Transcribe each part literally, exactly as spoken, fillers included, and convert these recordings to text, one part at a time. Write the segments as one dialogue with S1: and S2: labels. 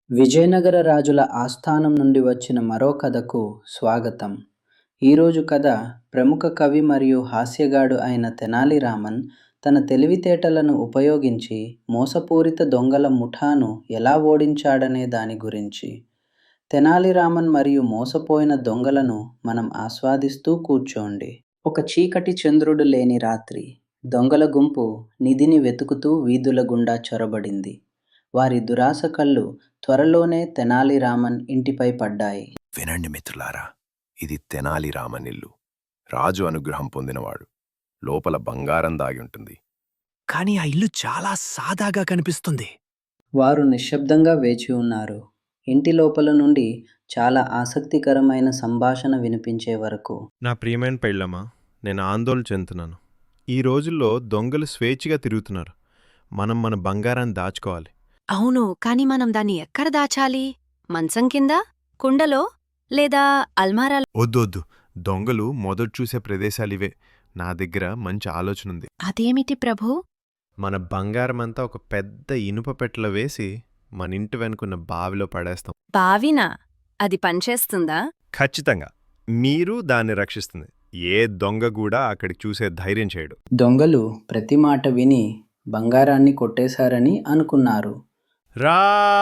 S1: విజయనగర రాజుల ఆస్థానం నుండి వచ్చిన మరో కథకు స్వాగతం. ఈరోజు కథ ప్రముఖ కవి మరియు హాస్యగాడు అయిన తెనాలి రామన్ తన తెలివితేటలను ఉపయోగించి మోసపూరిత దొంగల ముఠాను ఎలా ఓడించాడనే దాని గురించి. తెనాలి రామన్ మరియు మోసపోయిన దొంగలను మనం ఆస్వాదిస్తూ కూర్చోండి. ఒక చీకటి చంద్రుడు లేని రాత్రి దొంగల గుంపు నిధిని వెతుకుతూ వీధుల గుండా చొరబడింది. వారి దురాశ కళ్ళు త్వరలోనే తెనాలి రామన్ ఇంటిపై పడ్డాయి.
S2: వినండి మిత్రులారా, ఇది తెనాలి రామన్ ఇల్లు. రాజు అనుగ్రహం పొందినవాడు. లోపల బంగారం దాగి ఉంటుంది.
S3: కానీ ఆ ఇల్లు చాలా సాదాగా కనిపిస్తుంది.
S1: వారు నిశ్శబ్దంగా వేచి ఉన్నారు. ఇంటి లోపల నుండి చాలా ఆసక్తికరమైన సంభాషణ వినిపించే వరకు.
S4: నా ప్రియమైన పెళ్ళమ్మా, నేను ఆందోళన చెందుతున్నాను. ఈ రోజుల్లో దొంగలు స్వేచ్ఛగా తిరుగుతున్నారు. మనం మన బంగారాన్ని దాచుకోవాలి.
S5: అవును, కాని మనం దాన్ని ఎక్కడ దాచాలి? మంచం కింద, కుండలో, లేదా అల్మారాలో?
S4: వద్దొద్దు, దొంగలు మొదట చూసే ప్రదేశాలివే. నా దగ్గర మంచి ఆలోచనుంది.
S5: అదేమిటి ప్రభూ?
S4: మన బంగారమంతా ఒక పెద్ద ఇనుప పెట్టెలో వేసి మన ఇంటి వెనుకున్న బావిలో పడేస్తాం.
S5: బావినా? అది పనిచేస్తుందా?
S4: ఖచ్చితంగా. మీరు దాన్ని రక్షిస్తుంది. ఏ దొంగ కూడా అక్కడికి చూసే ధైర్యం చేయడు.
S1: దొంగలు ప్రతి మాట విని బంగారాన్ని కొట్టేశారని అనుకున్నారు.
S4: రా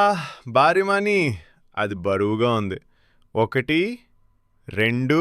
S4: బారిమాని, అది బరువుగా ఉంది. ఒకటి, రెండు,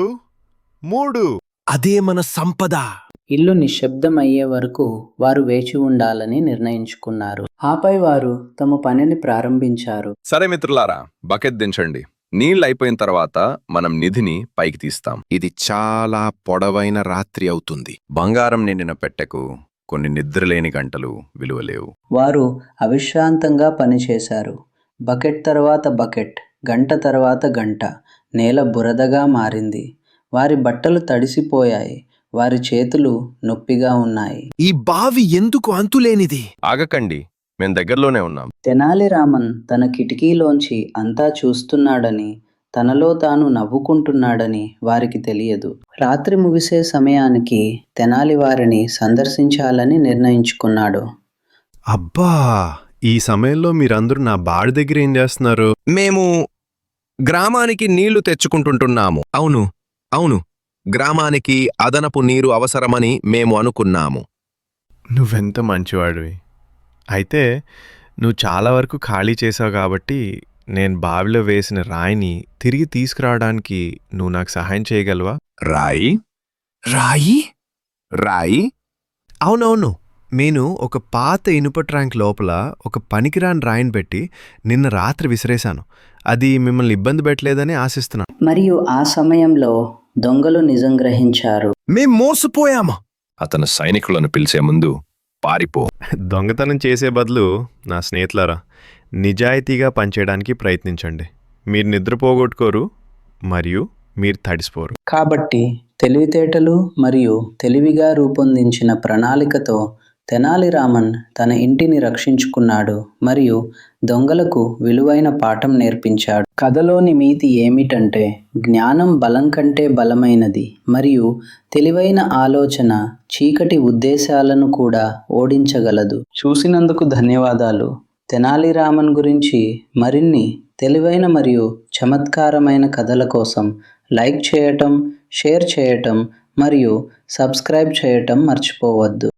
S4: మూడు.
S3: అదే మన సంపద.
S1: ఇల్లు నిశ్శబ్దమయ్యే వరకు వారు వేచి ఉండాలని నిర్ణయించుకున్నారు. ఆపై వారు తమ పనిని ప్రారంభించారు.
S2: సరే మిత్రులారా, బకెట్ దించండి. నీళ్ళు అయిపోయిన తర్వాత మనం నిధిని పైకి తీస్తాం. ఇది చాలా పొడవైన రాత్రి అవుతుంది. బంగారం నిండిన పెట్టెకు కొన్ని నిద్రలేని గంటలు విలువలేవు.
S1: వారు అవిశ్రాంతంగా పనిచేశారు. బకెట్ తర్వాత బకెట్, గంట తర్వాత గంట. నేల బురదగా మారింది. వారి బట్టలు తడిసిపోయాయి. వారి చేతులు నొప్పిగా ఉన్నాయి.
S3: ఈ బావి ఎందుకు అంతులేనిది?
S2: ఆగకండి, మేం దగ్గరలోనే ఉన్నాం.
S1: తెనాలి రామన్ తన కిటికీలోంచి అంతా చూస్తున్నాడని, తనలో తాను నవ్వుకుంటున్నాడని వారికి తెలియదు. రాత్రి ముగిసే సమయానికి తెనాలి వారిని సందర్శించాలని నిర్ణయించుకున్నాడు.
S4: అబ్బా, ఈ సమయంలో మీరందరూ నా బాడి దగ్గర ఏం చేస్తున్నారు?
S2: మేము గ్రామానికి నీళ్లు తెచ్చుకుంటుంటున్నాము. అవును అవును గ్రామానికి అదనపు నీరు అవసరమని మేము అనుకున్నాము.
S4: నువ్వెంత మంచివాడివి. అయితే నువ్వు చాలా వరకు ఖాళీ చేసావు కాబట్టి నేను బావిలో వేసిన రాయిని తిరిగి తీసుకురావడానికి నువ్వు నాకు సహాయం చేయగలవా?
S2: రాయి
S3: రాయి?
S2: రాయి
S4: అవునవును, నేను ఒక పాత ఇనుప ట్యాంక్ లోపల ఒక పనికిరాని రాయిని పెట్టి నిన్న రాత్రి విసిరేశాను. అది మిమ్మల్ని ఇబ్బంది పెట్టలేదని ఆశిస్తున్నాను.
S1: మరియు ఆ సమయంలో దొంగలు నిజం గ్రహించారు.
S3: మేం మోసపోయామా?
S2: అతను సైనికులను పిలిచే ముందు పారిపో.
S4: దొంగతనం చేసే బదులు నా స్నేహితులారా, నిజాయితీగా పనిచేయడానికి ప్రయత్నించండి. మీరు నిద్రపోగొట్టుకోరు మరియు మీరు తడిసిపోరు.
S1: కాబట్టి తెలివితేటలు మరియు తెలివిగా రూపొందించిన ప్రణాళికతో తెనాలి రామన్ తన ఇంటిని రక్షించుకున్నాడు మరియు దొంగలకు విలువైన పాఠం నేర్పించాడు. కథలోని నీతి ఏమిటంటే, జ్ఞానం బలం కంటే బలమైనది మరియు తెలివైన ఆలోచన చీకటి ఉద్దేశాలను కూడా ఓడించగలదు. చూసినందుకు ధన్యవాదాలు. తెనాలి రామన్ గురించి మరిన్ని తెలివైన మరియు చమత్కారమైన కథల కోసం లైక్ చేయటం, షేర్ చేయటం మరియు సబ్స్క్రైబ్ చేయటం మర్చిపోవద్దు.